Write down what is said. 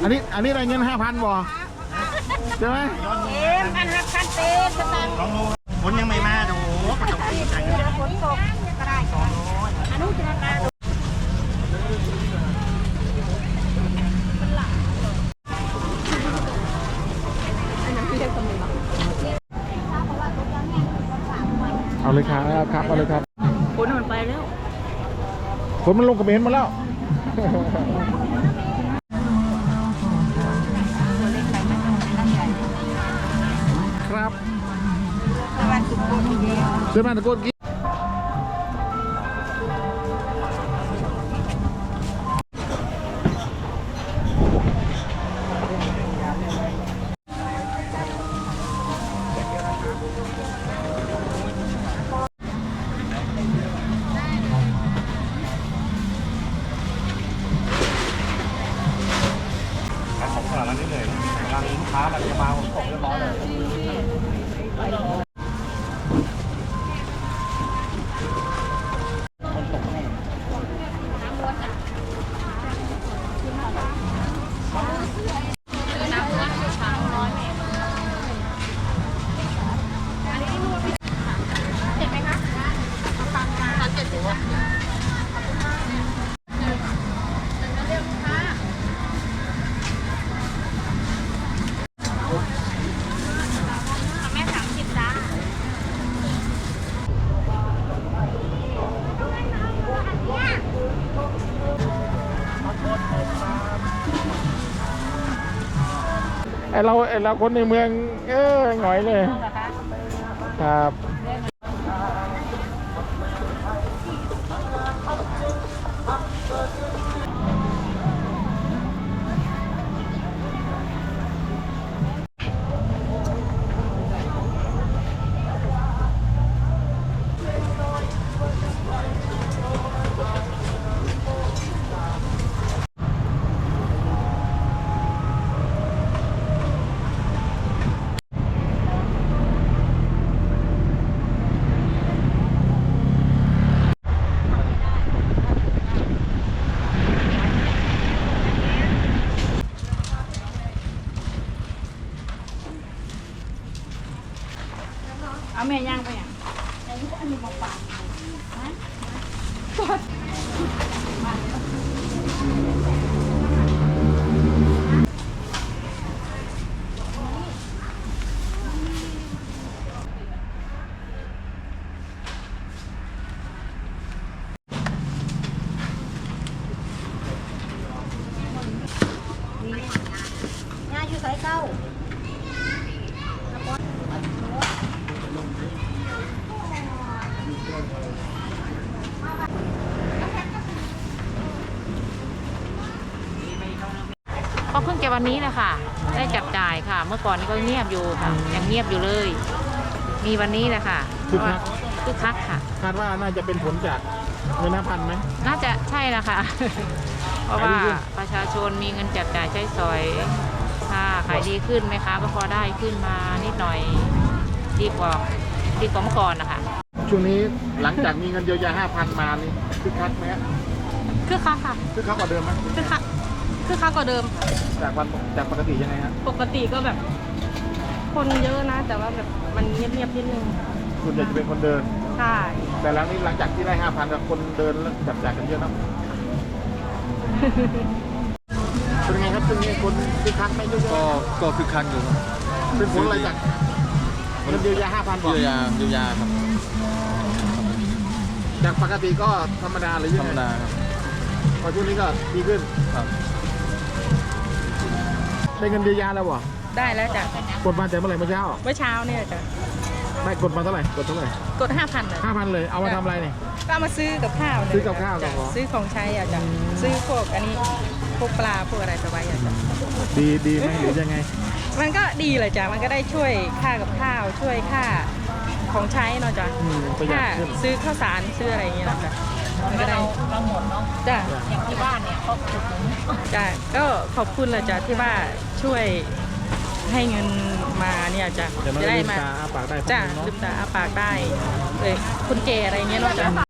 นี้ได้เงิน5,000บ่ใช่ไหมพันหักพันเต้สตางค์ลองดูฝนยังไม่มาดูก็ต้องตีใจกันฝนตกก็ได้อนุจินตนาการเอาเลยครับเอาเลยครับฝนมันไปแล้วฝนมันลงกระเบนมาแล้วครับเสื้อบ้านตะโกนกี้ของตลาดร้านนี้เลยร้านลูกค้าแบบจะมาผมส่งเรียบร้อยเลยเราคนในเมืองหงอยเลยครับเอาแม่ย่างไปอย่างอันนี้บอกปากย่าอยู่สายเก้าก็เพิ่งจะวันนี้แหละค่ะได้จับจ่ายค่ะเมื่อก่อนนี้ก็เงียบอยู่ค่ะยังเงียบอยู่เลยมีวันนี้แหละค่ะคึกคักค่ะคาดว่าน่าจะเป็นผลจากเงิน5,000ไหมน่าจะใช่ละค่ะเพราะว่าประชาชนมีเงินจับจ่ายใช้สอยค่ะขายดีขึ้นไหมคะก็พอได้ขึ้นมานิดหน่อยดีกว่าเมื่อก่อนนะคะช่วงนี้หลังจากมีเงินเยียวยา5,000มานี่คึกคักไหมคึกคักค่ะคึกคักกว่าเดิมไหมคึกคักกว่าเดิมจากปกติยังไงฮะปกติก็แบบคนเยอะนะแต่ว่าแบบมันเงียบๆนิดนึงส่วนใหญ่จะเป็นคนเดินใช่แต่หลังจากที่ได้5,000กับคนเดินแล้วจับจ่ายกันเยอะนะเป็นไงครับช่วงนี้คนคึกคักไหมเยอะก็คึกคักอยู่ครับเป็นผลอะไรจากเงินเยียวยา5,000บอกเยียวยาครับจากปกติก็ธรรมดาหรือธรรมดาครับพอช่วงนี้ก็ดีขึ้นครับได้เงินเยียวยาแล้ววะได้แล้วจ้ะกดมาแต่เมื่อไหร่เมื่อเช้าเนี่ยจ้ะได้กดมาเท่าไหร่กด 5,000เลย 5,000เลยเอามาทำอะไรเนี่ยก็เอามาซื้อกับข้าวซื้อกับข้าวซื้อของใช้อ่ะจ้ะซื้อพวกอันนี้พวกปลาพวกอะไรไปไว้อ่ะจ้ะดีไหมหรือยังไงมันก็ดีเลยจ้ะมันก็ได้ช่วยค่ากับข้าวช่วยค่าของใช้เนาะจ้ะค่าซื้อข้าวสารซื้ออะไรอย่างเงี้ยจ้ะมันก็ได้เราหมดเนาะจ้ะอย่างที่บ้านเนี่ยเขาขุดหนุนจ้ะก็ขอบคุณเลยจ้ะที่ว่าช่วยให้เงินมาเนี่ยจ้ะจะได้มาจ้ะลืมตาอาปากได้เลยคุณเจอะไรเงี้ยเนาะจ้ะ